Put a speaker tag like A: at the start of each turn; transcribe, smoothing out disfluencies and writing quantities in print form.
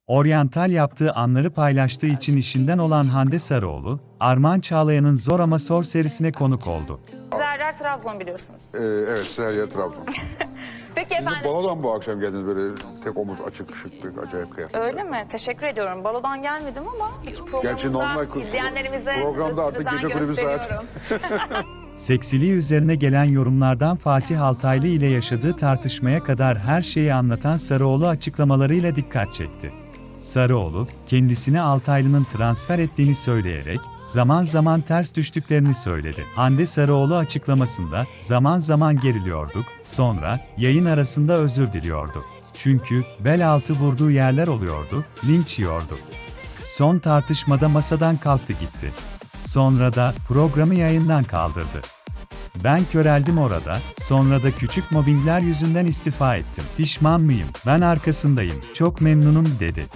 A: Oryantal yaptığı anları paylaştığı için işinden olan Hande Sarıoğlu, Armağan Çağlayan'ın Zor Ama Sor serisine konuk oldu.
B: Zerrer Trabzon biliyorsunuz.
C: Evet, Serya Trabzon.
B: Peki
C: Siz de
B: efendim.
C: balodan bu akşam geldiniz böyle tek omuz açık şık bir acayip kıyafet.
B: Öyle mi? Teşekkür ediyorum. Balodan gelmedim ama hiç
C: Gerçi normal
B: programımıza, izleyenlerimize
C: programda artık
B: özen
C: gece kulübü saat.
B: gösteriyorum.
A: Seksiliği üzerine gelen yorumlardan Fatih Altaylı ile yaşadığı tartışmaya kadar her şeyi anlatan Sarıoğlu açıklamalarıyla dikkat çekti. Sarıoğlu, kendisine Altaylı'nın transfer ettiğini söyleyerek, zaman zaman ters düştüklerini söyledi. Hande Sarıoğlu açıklamasında, zaman zaman geriliyorduk, sonra, yayın arasında özür diliyordu. Çünkü, bel altı vurduğu yerler oluyordu, linç yiyordu. Son tartışmada masadan kalktı gitti. Sonra da programı yayından kaldırdı. Ben köreldim orada, sonra da küçük mobbingler yüzünden istifa ettim. Pişman mıyım? Ben arkasındayım, çok memnunum dedi.